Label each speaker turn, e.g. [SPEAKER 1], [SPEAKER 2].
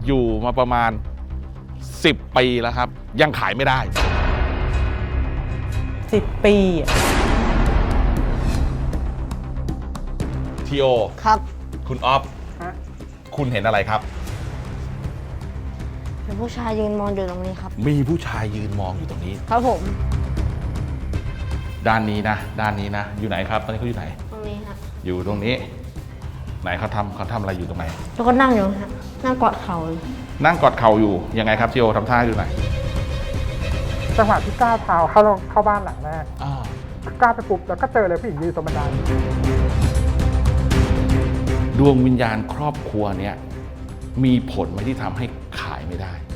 [SPEAKER 1] อยู่มาประมาณ10 ปีแล้วครับยังขายไม่ได้
[SPEAKER 2] 10 ปี
[SPEAKER 1] ทีโอ
[SPEAKER 3] ครับ
[SPEAKER 1] คุณออฟคุณเห็นอะไรครับ
[SPEAKER 3] มีผู้ชายยืนมองอยู่ตรงนี้ครับ
[SPEAKER 1] มีผู้ชายยืนมองอยู่ตรงนี้
[SPEAKER 3] ครับผม
[SPEAKER 1] ด้านนี้นะอยู่ไหนครับตอนนี้เขาอยู่ไหน
[SPEAKER 3] ตรงนี้ครับ
[SPEAKER 1] อยู่ตรงนี้ไหนเขาทำอะไรอยู่ตรงไหน
[SPEAKER 3] แล้วก็นั่งอยู่ฮะนั่งกอดเข่า
[SPEAKER 1] นั่งกอดเข่าอยู่ยังไงครับทีโอทำท่าอยู่ไหน
[SPEAKER 4] จังหวะที่ก้าวเท้าเข้าบ้านหลังแรกก้าวไปปุ๊บแล้วก็เจอเลยผู้หญิงยืนตรงบันได
[SPEAKER 1] ดวงวิญญาณครอบครัวเนี้ยมีผลไหมที่ทำให้ขายไม่ได้